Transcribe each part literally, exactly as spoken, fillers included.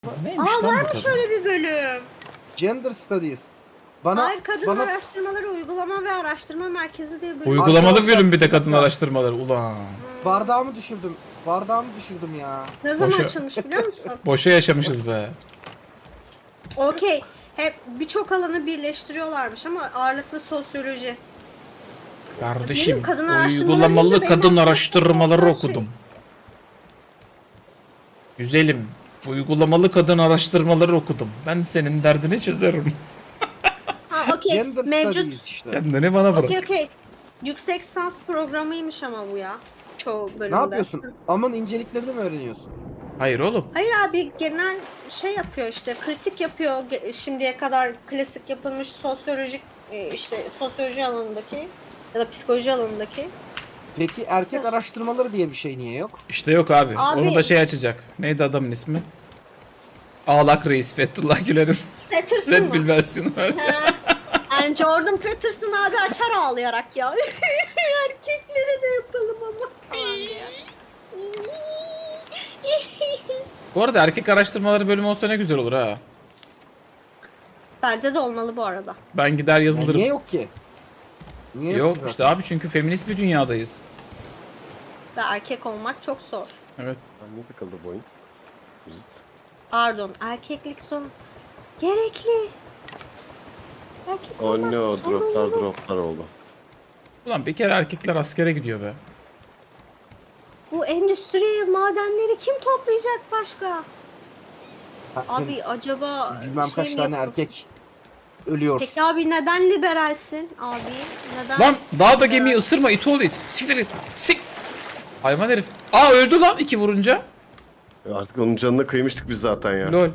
Neymiş Aa lan bu varmış kadın? öyle bir bölüm. Gender Studies. Bana, Hayır, Kadın bana Araştırmaları Uygulama ve Araştırma Merkezi diye bir bölüm. Uygulamalı Arkadaşlar, bölüm bir de bir kadın dakika. araştırmaları. Ulan. bardağımı düşürdüm. Bardağımı düşürdüm ya. Ne zaman Boşa- açılmış biliyor musun? Boşa yaşamışız be. Okey. Hep birçok alanı birleştiriyorlarmış ama ağırlıklı sosyoloji. Kardeşim Benim kadın araştırmaları uygulamalı deyince benim kadın aklıma araştırmaları çok şey- okudum. Güzelim. Uygulamalı kadın araştırmaları okudum. Ben senin derdini çözerim. Ha okey. Gender Mevcut. Studies işte. Kendini bana bırak. Okey okey. Yüksek lisans programıymış ama bu ya. Çoğu bölümde. Ne yapıyorsun? Aman inceliklerini mi öğreniyorsun? Hayır oğlum. Hayır abi, genel şey yapıyor işte, kritik yapıyor Ge- şimdiye kadar klasik yapılmış sosyolojik e, işte sosyoloji alanındaki ya da psikoloji alanındaki. Peki erkek araştırmaları diye bir şey niye yok? İşte yok abi. Abi- Onu da şey açacak. Neydi adamın ismi? Ağlak Reis Fethullah Gülen'in Peterson Red mı? Bull versiyonu var. He. Yani Jordan Peterson abi açar ağlayarak ya. Erkeklere de yapalım ama falan diye. Bu arada erkek araştırmaları bölümü olsa ne güzel olur ha. Bence de olmalı bu arada. Ben gider Ya yazılırım. niye yok ki? Niye Yok ki işte zaten? abi, çünkü feminist bir dünyadayız. Ve erkek olmak çok zor. Evet. Niye takıldı bu oyun? Müzik. Pardon, erkeklik zor. Gerekli. Erkek Oh olmak no, droplar zorunlu. droplar oldu. Ulan bir kere erkekler askere gidiyor be. Bu endüstri madenleri kim toplayacak başka? Ha, Abi acaba bilmem şey kaç mi tane yapıyorsun? erkek ölüyor. Peki abi neden liberalsin abi? Neden? Lan daha da gemiyi ısırma, it oğlu it. Siktir it. Sik. Hayvan herif. Aa öldü lan iki vurunca. E Artık onun canına kıymıştık biz zaten ya. Lol.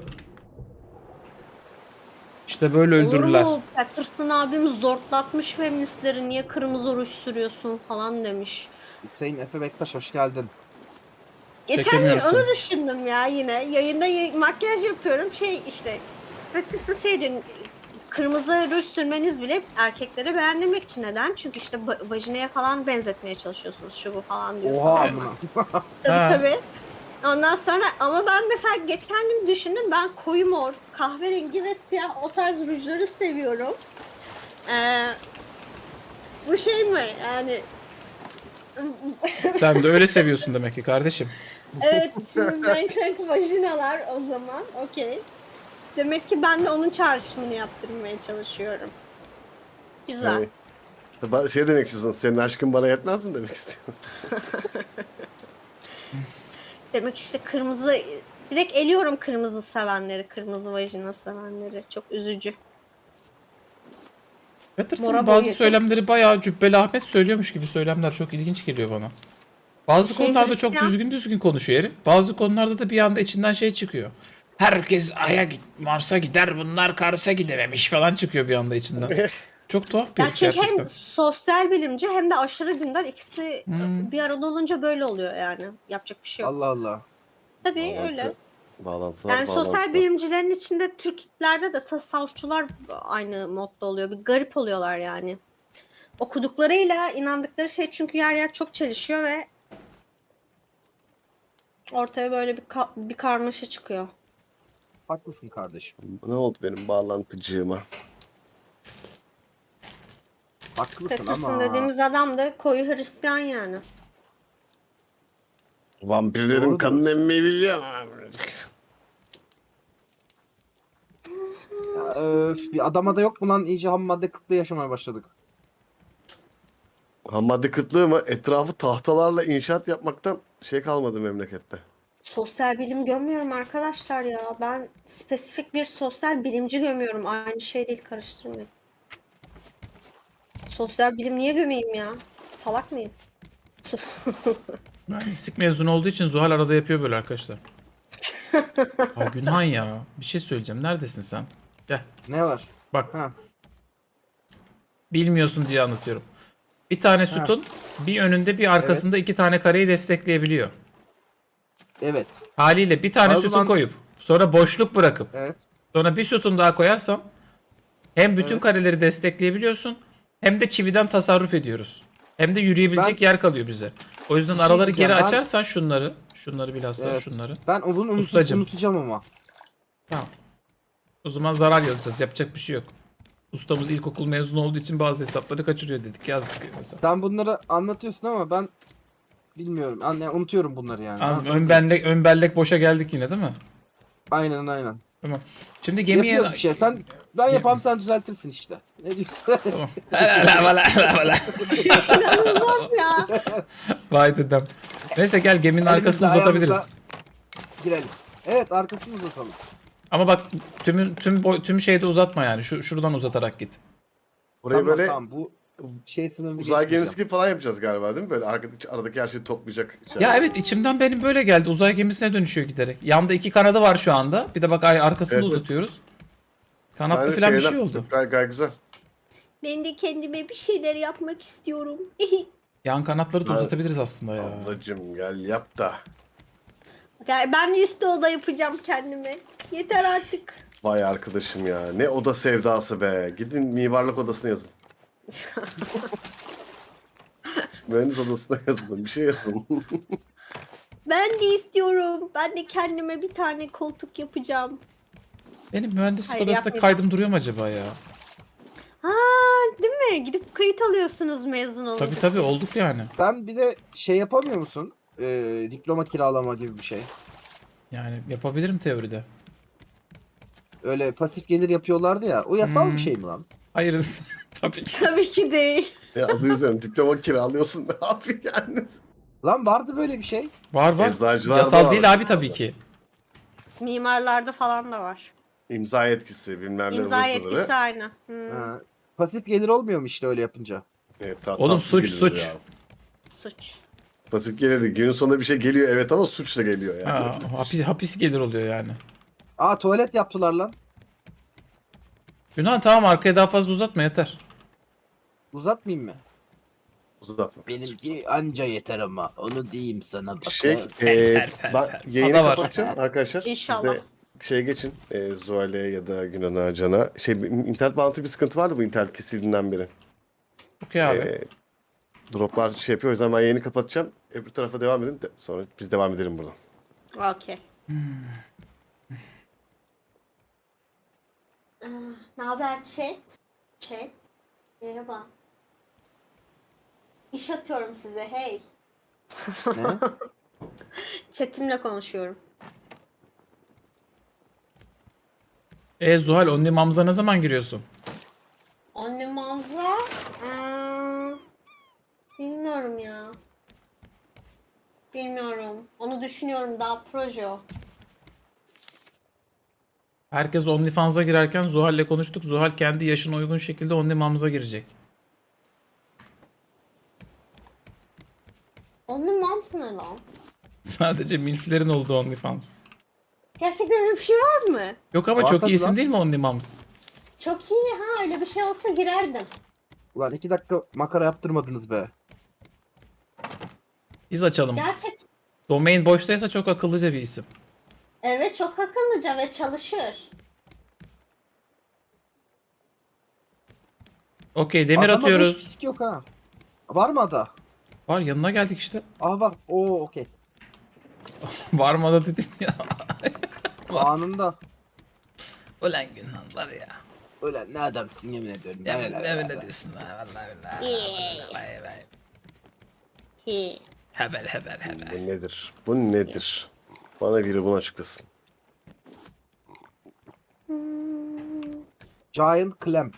İşte böyle öldürürler. Olur mu? Patterson abim zortlatmış feministleri, niye kırmızı ruj sürüyorsun falan demiş. Hüseyin Efe Bektaş hoş geldin. Geçen gün Çekemiyorsun. onu düşündüm ya yine. Yayında y- makyaj yapıyorum. Şey işte Patterson şey diyor, kırmızı ruj sürmeniz bile erkeklere beğendirmek için. Neden? Çünkü işte ba- vajinaya falan benzetmeye çalışıyorsunuz, şu bu falan diyor. Oha falan. amına. Tabii Ha. tabii. Ondan sonra ama ben mesela geçen gün düşündüm, ben koyu mor, kahverengi ve siyah o tarz rujları seviyorum. Ee, bu şey mi yani? Sen de öyle seviyorsun demek ki kardeşim. Evet, şimdi renk renk vajinalar o zaman okey. Demek ki ben de onun çağrışımını yaptırmaya çalışıyorum. Güzel. Yani, ba- şey demek istiyorsun, senin aşkın bana yetmez mi demek istiyorsun? Demek işte kırmızı, direkt eliyorum kırmızı sevenleri, kırmızı vajina sevenleri. Çok üzücü. Patterson'ın Mora bazı boyuyor. söylemleri bayağı Cübbeli Ahmet söylüyormuş gibi söylemler çok ilginç geliyor bana. Bazı Şey, konularda çok Hristiyan. düzgün düzgün konuşuyor herif. Bazı konularda da bir anda içinden şey çıkıyor. Herkes Ay'a git, Mars'a gider, bunlar Kars'a gidememiş falan çıkıyor bir anda içinden. Çok tuhaf bir Ya herif çünkü gerçekten. hem sosyal bilimci hem de aşırı dindar, ikisi Hmm. bir arada olunca böyle oluyor yani. Yapacak bir şey yok. Allah Allah. Tabii Bağlantı- öyle. Bağlantılar, Yani sosyal bağlantılar. bilimcilerin içinde Türklerde de tasavvufçular aynı modda oluyor. Bir garip oluyorlar yani. Okuduklarıyla inandıkları şey çünkü yer yer çok çelişiyor ve ortaya böyle bir ka- bir karmaşa çıkıyor. Haklısın kardeşim. Ne oldu benim bağlantıcığıma? Haklısın Patterson ama. dediğimiz adam da koyu Hristiyan yani. Vampirlerin Doğrudur. kanını emmeyi biliyor. Ya, öf, bir adama da yok mu lan, iyice ham madde kıtlığı yaşamaya başladık. Ham madde kıtlığı mı? Etrafı tahtalarla inşaat yapmaktan şey kalmadı memlekette. Sosyal bilim gömüyorum arkadaşlar ya. Ben spesifik bir sosyal bilimci gömüyorum. Aynı şey değil, karıştırmayın. Sosyal bilim niye gömeyim ya? Salak mıyım? Mühendislik mezunu olduğu için Zuhal arada yapıyor böyle arkadaşlar. Ay Günhan ya. Bir şey söyleyeceğim. Neredesin sen? Gel. Ne var? Bak. Ha. Bilmiyorsun diye anlatıyorum. Bir tane sütun bir önünde bir arkasında iki tane kareyi destekleyebiliyor. Evet. Haliyle bir tane Abi sütun lan- koyup sonra boşluk bırakıp Evet. sonra bir sütun daha koyarsam hem bütün Evet. kareleri destekleyebiliyorsun hem de çividen tasarruf ediyoruz. Hem de yürüyebilecek Ben- yer kalıyor bize. O yüzden şey araları diyeceğim, geri ben- açarsan şunları, şunları bilhassa Evet. şunları. Ben onu unut- Ustacım. unutacağım ama. Tamam. O zaman zarar yazacağız. Yapacak bir şey yok. Ustamız ilkokul mezunu olduğu için bazı hesapları kaçırıyor dedik. Yazdık mesela. Sen bunları anlatıyorsun ama ben bilmiyorum. Anne unutuyorum bunları yani. Abi, Nasıl ön unutayım? bellek, ön bellek boşa geldik yine değil mi? Aynen aynen. Tamam. Şimdi gemiye... Yapıyoruz bir şey. Sen ben yapam sen düzeltirsin işte. Ne diyorsun? Tamam. Hala, hala, hala, hala. İnanılmaz ya. Vay dedem. Neyse gel geminin arkasını Elimizle, uzatabiliriz. ayağımızla Girelim. Evet arkasını uzatalım. Ama bak tüm tüm boy, tüm şeyde uzatma yani. Şu şuradan uzatarak git. Burayı Tamam, böyle tamam, bu şey sınırını uzay geçmeyeceğim. gemisi gibi falan yapacağız galiba değil mi? Böyle aradaki, aradaki her şeyi toplayacak. şey. Ya evet içimden benim böyle geldi. Uzay gemisine dönüşüyor giderek. Yanda iki kanadı var şu anda. Bir de bak ay arkasını Evet, evet. uzatıyoruz. Kanatlı Yani falan bir şeyler- şey oldu. Gay, gayet güzel. Ben de kendime bir şeyler yapmak istiyorum. Yan kanatları da Evet. uzatabiliriz aslında ya. Ablacım gel yap da. Yani ben de üstü oda yapacağım kendime. Yeter artık. Vay arkadaşım ya. Ne oda sevdası be. Gidin mimarlık odasına yazın. Mühendis odasına yazın. Bir şey yazın. Ben de istiyorum. Ben de kendime bir tane koltuk yapacağım. Benim mühendislik Hayır, odasında yapmayacağım. kaydım duruyor mu acaba ya? Ha, değil mi? Gidip kayıt alıyorsunuz mezun olunca. Tabii tabii siz. olduk yani. Sen bir de şey yapamıyor musun? Ee, diploma kiralama gibi bir şey. Yani yapabilirim teoride. Öyle pasif gelir yapıyorlardı ya. O yasal Hmm. bir şey mi lan? Hayır tabii ki. Tabii ki değil. Ya adı üzerine diploma kiralıyorsun. Ne yapayım yani? Lan vardı böyle bir şey. Var var. Eczacılar Yasal var. değil abi tabii ki. Mimarlarda falan da var. İmza yetkisi bilmem ne İmza ıvır yetkisi zıvırı. aynı. Hmm, Ha. Pasif gelir olmuyor mu işte öyle yapınca? Evet, ta- Oğlum, tatsız suç, geliyor suç. ya. suç. Pasif gelirdi. Günün sonunda bir şey geliyor evet ama suç da geliyor yani. Ha, hapis, hapis gelir oluyor yani. Aa tuvalet yaptılar lan. Yunan tamam arkaya daha fazla uzatma yeter. Uzatmayayım mı? Uzatma. Benimki anca yeter ama onu diyeyim sana bak. Şey, per, eee per, ben per. yayını Ada var. kapatacağım arkadaşlar. İnşallah. Siz de şeye geçin. E, Zuhal'e ya da Günan'a, Can'a. Şey, bir- internet bağlantı bir sıkıntı vardı bu internet kesildiğinden beri. Okey abi. Eee, droplar şey yapıyor. O yüzden ben yayını kapatacağım. Öbür tarafa devam edin. De, sonra biz devam edelim buradan. Okey. Ah, ne haber chat? Chat. Merhaba. İş atıyorum size hey. Ne? Chatimle konuşuyorum. E Zuhal Only Mams'a ne zaman giriyorsun? Anne manza. Hmm, bilmiyorum ya. Bilmiyorum. Onu düşünüyorum daha proje o. Herkes OnlyFans'a girerken Zuhal'le konuştuk. Zuhal kendi yaşına uygun şekilde Only Mams'a girecek. Onun mamsı ne lan? Sadece milflerin olduğu OnlyFans. Gerçekten öyle bir şey var mı? Yok ama Var çok tabii iyi isim lan. değil mi Only Moms? Çok iyi ha öyle bir şey olsa girerdim. Ulan iki dakika makara yaptırmadınız be. Biz açalım. Gerçek. Domain boştaysa çok akıllıca bir isim. Evet çok akıllıca ve çalışır. Okey demir Adamda atıyoruz. hiç fizik yok ha. Var mı ada? Var yanına geldik işte. Aa bak. Oo okey. Var mı da dedin ya. Anında. Ulan Günhan var ya. Öyle ne adamsın yemin ediyorum. Ya Öyle, ne öyle. öyle diyorsun ha vallahi billahi. İyi. Vay vay. Hi. Haber haber haber. Bu nedir? Bu nedir? Bana biri bunu açıklasın. Giant clamp.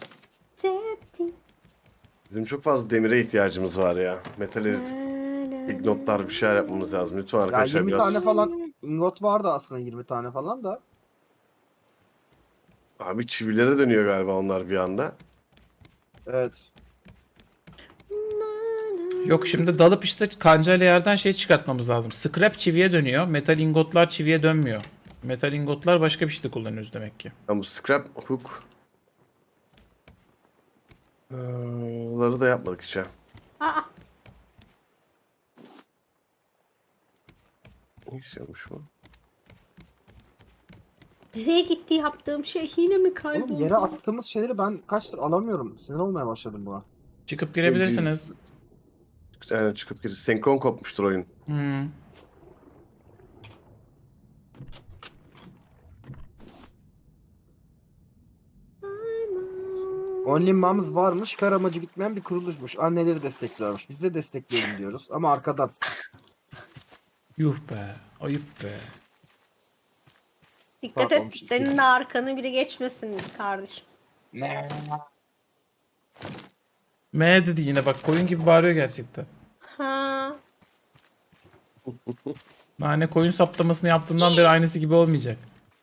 Bizim çok fazla demire ihtiyacımız var ya. Metal erit. Ignotlar bir şeyler yapmamız lazım. Lütfen Ya arkadaşlar yirmi biraz. tane falan ingot vardı aslında yirmi tane falan da. Abi çivilere dönüyor galiba onlar bir anda. Evet. Yok şimdi dalıp işte kancayla yerden şey çıkartmamız lazım. Scrap çiviye dönüyor. Metal ingotlar çiviye dönmüyor. Metal ingotlar başka bir şeyde kullanıyoruz demek ki. Yani bu scrap hook. Ee, Onları da yapmadık hiç ya. Aa, Ne istiyormuş bu? nereye gitti yaptığım şey yine mi kayboldu? Oğlum yere attığımız şeyleri ben kaçtır alamıyorum. Sinir olmaya başladım buna. Çıkıp girebilirsiniz. Yani çıkıp gir. Senkron kopmuştur oyun. Hmm. Only Moms varmış, kar amacı gitmeyen bir kuruluşmuş. Anneleri destekliyormuş. Biz de destekleyelim diyoruz ama arkadan. Yuh be. Ayıp be. Dikkat Pardon, et bir şey senin değil. de arkanı biri geçmesin kardeşim. Ne? M dedi yine bak koyun gibi bağırıyor gerçekten. Ha. Nane koyun saptamasını yaptığından beri aynısı gibi olmayacak.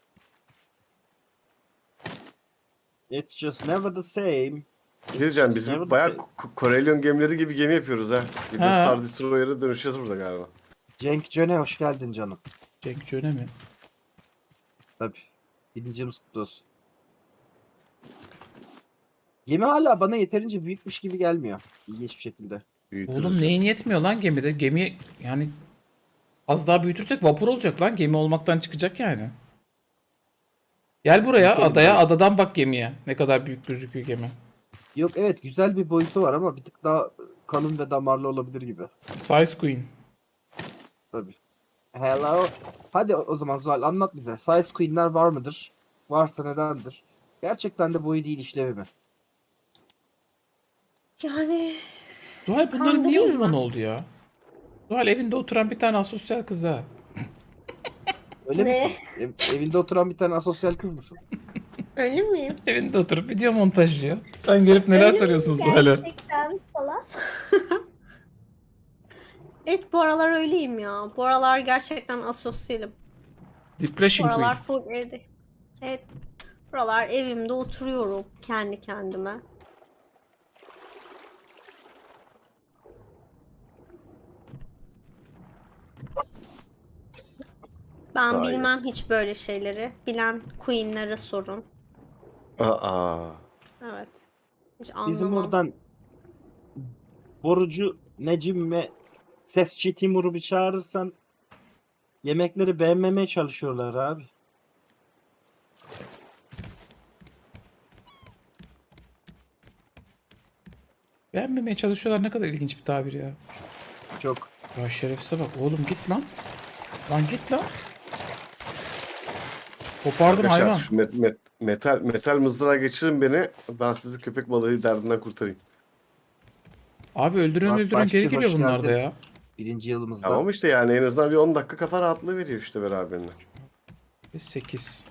It's just never the same. Ne diyeceğim biz Never the bayağı same. Ko- Korelyon gemileri gibi gemi yapıyoruz ha. Bir de Ha. Star Destroyer'a dönüşeceğiz burada galiba. Cenk Cöne hoş geldin canım. Cenk Cöne mi? Tabii. Birincimiz kutlu olsun. Gemi hala bana yeterince büyükmüş gibi gelmiyor. İlginç bir şekilde. Büyütürüz. Oğlum neyin yetmiyor lan gemide? Gemi yani az daha büyütürsek vapur olacak lan. Gemi olmaktan çıkacak yani. Gel buraya Büyütelim adaya, tabii. adadan bak gemiye. Ne kadar büyük gözüküyor gemi. Yok evet güzel bir boyutu var ama bir tık daha kalın ve damarlı olabilir gibi. Size Queen. Tabii. Hello. Hadi o o zaman Zuhal anlat bize. Size Queen'ler var mıdır? Varsa nedendir? Gerçekten de boyu değil işlevi mi? Yani Zuhal bunların niye Kandırayım uzman mı? oldu ya? Zuhal evinde oturan bir tane asosyal kız ha. Öyle Ne? misin? Ev- evinde oturan bir tane asosyal kız mısın? öyle miyim? Evinde oturup video montajlıyor. Sen gelip neler Öyle soruyorsun miyim Zuhal'e? Gerçekten falan. Evet bu aralar öyleyim ya. Bu aralar gerçekten asosyalim. Bu Depression Queen. aralar full evde. Evet. Buralar evimde oturuyorum kendi kendime. Ben Vay. bilmem hiç böyle şeyleri. Bilen queenlere sorun. Aa. Evet. Hiç anlamam. Bizim oradan Borucu Necim ve Sesçi Timur'u bir çağırırsan yemekleri beğenmemeye çalışıyorlar abi. Beğenmemeye çalışıyorlar, ne kadar ilginç bir tabir ya. Çok. Ya şerefsize bak oğlum, git lan. Lan git lan. Kopardım Arkadaşlar hayvan. şu met- met- metal metal mızrağa geçirin beni. Ben sizi köpek balığı derdinden kurtarayım. Abi öldürün Bak, öldürün başçı geri geliyor hoş bunlar da geldin. ya. Birinci yılımızda. Tamam işte yani en azından bir on dakika kafa rahatlığı veriyor işte beraberine. sekiz.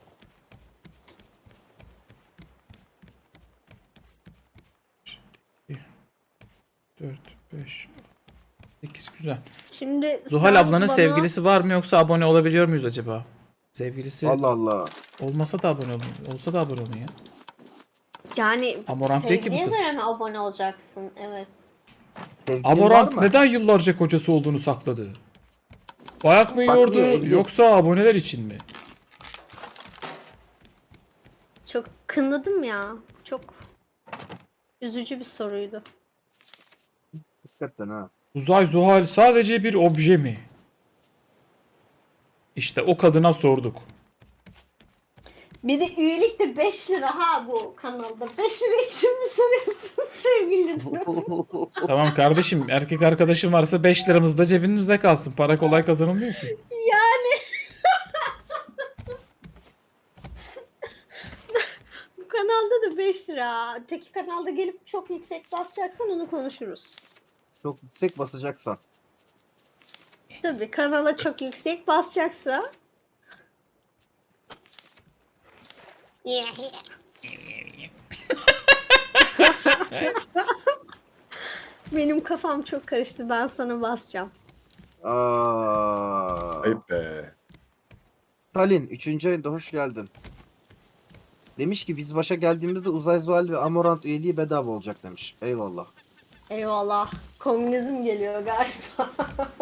dört, beş, sekiz güzel. Şimdi Zuhal sen ablanın bana- sevgilisi var mı yoksa abone olabiliyor muyuz acaba? Sevgilisi Allah Allah. olmasa da abone olun. Olsa da abone olun ya. Yani Amorant değil ki bu sevdiğine kız. göre mi abone olacaksın? Evet. Sevgilin var Amorant mı? neden yıllarca kocası olduğunu sakladı? Bayak mı Bak yiyordu niye evli? yoksa aboneler için mi? Çok kınadım ya. Çok üzücü bir soruydu. Hakikaten ha. Uzay Zuhal sadece bir obje mi? İşte o kadına sorduk. Bir de üyelik de beş lira ha bu kanalda. beş lira için mi soruyorsun sevgili? Tamam kardeşim, erkek arkadaşın varsa beş liramız da cebimizde kalsın. Para kolay kazanılmıyor ki. Yani bu kanalda da beş lira. Öteki kanalda gelip çok yüksek basacaksan onu konuşuruz. Çok yüksek basacaksan. Tabii kanala çok yüksek basacaksa. Benim kafam çok karıştı. Ben sana basacağım. Aa. Ayıp be. Stalin üçüncü ayında hoş geldin. Demiş ki biz başa geldiğimizde Uzay Zuhal ve Amorant üyeliği bedava olacak demiş. Eyvallah. Eyvallah. Komünizm geliyor galiba.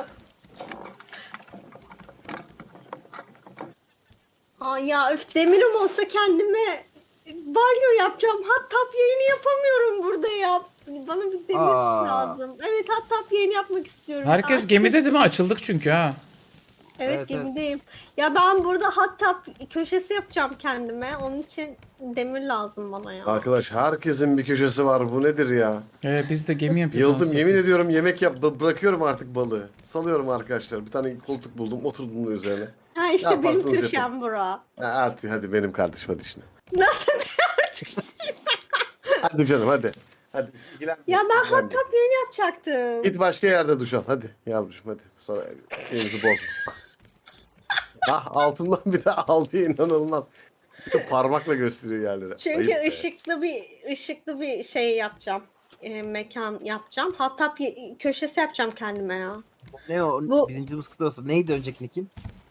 Aa, ya öf demirim olsa kendime banyo yapacağım. Hot tub yayını yapamıyorum burada ya. Bana bir demir Aa. lazım. Evet hot tub yayını yapmak istiyorum. Herkes Aa, gemide değil mi? Açıldık çünkü ha. Evet, Evet, gemideyim. Ya ben burada hot tub köşesi yapacağım kendime. Onun için demir lazım bana ya. Arkadaş herkesin bir köşesi var. Bu nedir ya? Ee, biz de gemi yapıyoruz. Yıldım anasını yemin satayım. ediyorum yemek yap bı- bırakıyorum artık balığı. Salıyorum arkadaşlar. Bir tane koltuk buldum oturdum da üzerine. Ha işte benim yaparsınız köşem bura. Ha, artık hadi benim kardeşim hadi işine. Nasıl bir artık? Hadi canım hadi. Hadi biz ilgilenmeyelim. Ya ben hot ilgilenmeyelim. tub yeni yapacaktım. Git başka yerde duş al hadi yavrucuğum hadi. Sonra şeyimizi bozma. Ah altından bir de aldı inanılmaz. Parmakla gösteriyor yerlere. Çünkü Ayıp be. ışıklı bir ışıklı bir şey yapacağım. E, mekan yapacağım. Hot tub ye- köşesi yapacağım kendime ya. Ne o? Bu- Birinci kutlu olsun. Neydi önceki nickin?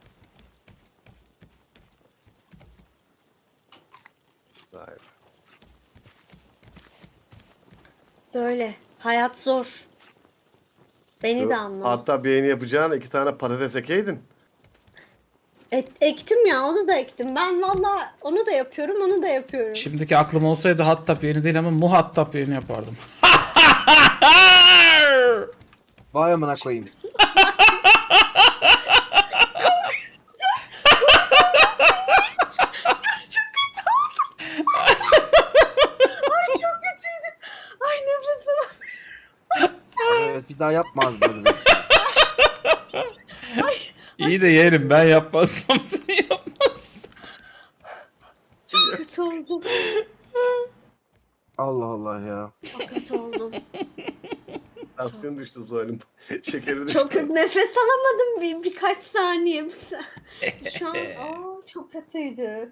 Vay be. Böyle. Hayat zor. Beni de anla. Hatta beğeni yapacağına iki tane patates ekeydin. Et, ektim ya, onu da ektim. Ben valla onu da yapıyorum, onu da yapıyorum. Şimdiki aklım olsaydı hot tub yeni değil ama mu hot tub yeni yapardım. Vay amına koyayım. Ay çok kötüydü. Ay nefesim. Evet bir daha yapmaz böyle bir şey. İyi de yerim, ben yapmazsam sen yapmazsın. Kötü oldum. Allah Allah ya. Çok kötü oldum. Tansiyon düştü Zuhal'in. Şekeri düştü. Çok nefes alamadım bir birkaç saniye. Şu an aa, çok kötüydü.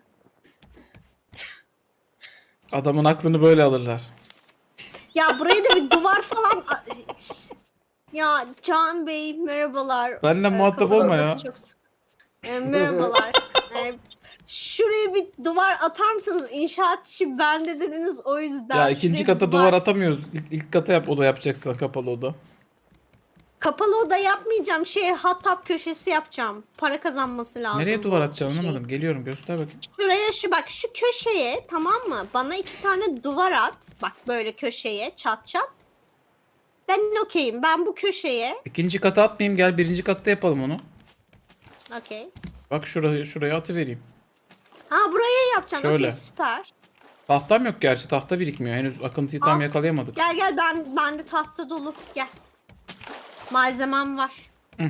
Adamın aklını böyle alırlar. Ya buraya da bir duvar falan. Ya Can Bey merhabalar. Benimle Ee, muhatap olma ya. çok- Ee, merhabalar. Ee, şuraya bir duvar atar mısınız? İnşaat işi bende dediniz o yüzden. Ya ikinci Şuraya bir kata duvar atamıyoruz. İlk, ilk kata yap, oda yapacaksan kapalı oda. Kapalı oda yapmayacağım. Şey hot tub köşesi yapacağım. Para kazanması lazım. Nereye duvar bu atacaksın şey. anlamadım. Geliyorum, göster bakayım. Şuraya şu bak şu köşeye tamam mı? Bana iki tane duvar at. Bak böyle köşeye çat çat. Ben okeyim. Ben bu köşeye. İkinci kata atmayayım, gel birinci katta yapalım onu. Okey. Bak şuraya, şuraya atıvereyim. Ha buraya yapacağım. Şöyle. Okey süper. Tahtam yok gerçi, tahta birikmiyor. Henüz akıntıyı tam Al. yakalayamadık. Gel gel ben bende tahta dolu. Gel. Malzemem var. Hı.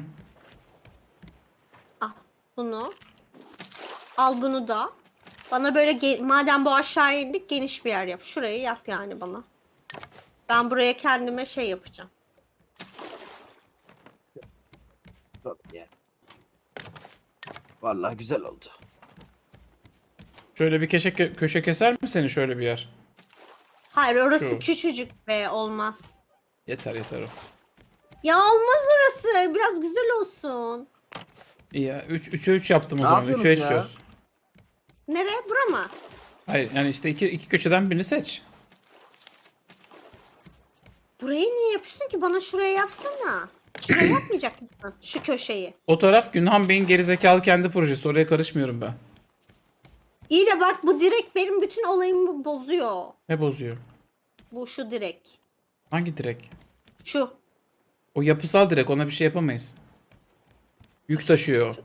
Al bunu. Al bunu da. Bana böyle ge- madem bu aşağıya indik geniş bir yer yap. Şurayı yap yani bana. Ben buraya kendime şey yapacağım. Yani. Vallahi güzel oldu. Şöyle bir köşe, köşe keser mi seni şöyle bir yer? Hayır orası Şu. küçücük be olmaz. Yeter yeter o. Ya olmaz orası. Biraz güzel olsun. İyi ya. üç üçe üç yaptım o Ne zaman. yapıyorsunuz üçe üç ya? çöz. Nereye? Bura mı? Hayır yani işte iki, iki köşeden birini seç. Burayı niye yapıyorsun ki? Bana şuraya yapsana. Şuraya yapmayacak mısın? Şu köşeyi. O taraf Günhan Bey'in gerizekalı kendi projesi. Oraya karışmıyorum ben. İyi de bak bu direkt benim bütün olayımı bozuyor. Ne bozuyor? Bu şu direkt. Hangi direk? Şu. O yapısal direk, ona bir şey yapamayız. Yük taşıyor.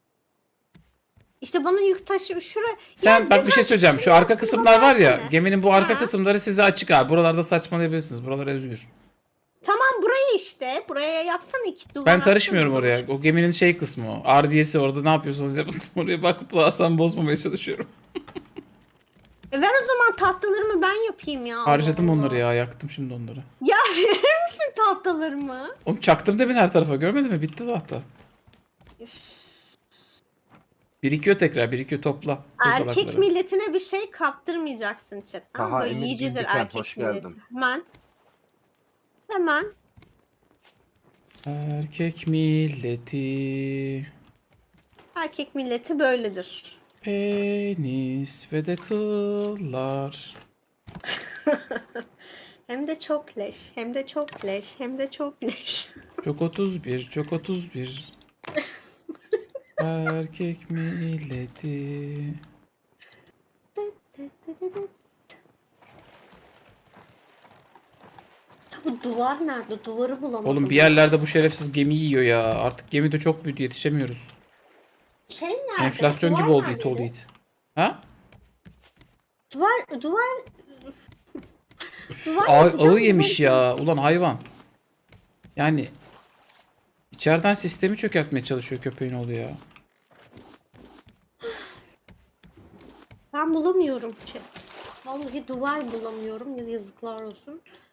İşte bana yük taşı şuraya. Sen Ya bak bir şey biraz söyleyeceğim. Şu şuraya arka yapsana, kısımlar var ya. versene. Geminin bu arka Ha. kısımları size açık abi. Buralarda saçmalayabilirsiniz. Buralar özgür. Tamam burayı işte. Buraya yapsana iki duvar. Ben karışmıyorum atsana oraya. O geminin şey kısmı o. R D S'si orada ne yapıyorsanız yapın. Oraya bakıp Hasan bozmamaya çalışıyorum. E ver o zaman tahtalarımı ben yapayım ya. Harcadım Allah onları Allah. ya. Yaktım şimdi onları. Ya verir misin tahtalarımı? Oğlum çaktım demin her tarafa. Görmedin mi? Bitti tahta. Birikiyor tekrar. Birikiyor, topla. Erkek kozalakları. milletine bir şey kaptırmayacaksın chat. Tamam Taha böyle Emir yiyicidir Cildikent, erkek hoş milleti. geldin. Hemen. Hemen. Erkek milleti. Erkek milleti böyledir. Penis ve de kıllar. Hem de çok leş, hem de çok leş, hem de çok leş. Çok otuz bir, çok otuz bir. Erkek milleti. Ya bu duvar nerede? Duvarı bulamadım. Oğlum bir yerlerde bu şerefsiz gemi yiyor ya. Artık gemi de çok büyüdü, yetişemiyoruz. Şey nerede? Enflasyon Duvar gibi oldu nerede? it oğlu it. Ha? Duvar, duvar... Üf, Duvar ağı, yapacağım, ağı yemiş duvar- ya. Ulan hayvan. Yani içeriden sistemi çökertmeye çalışıyor köpeğin oğlu ya. Ben bulamıyorum chat. Vallahi duvar bulamıyorum. Yazıklar olsun.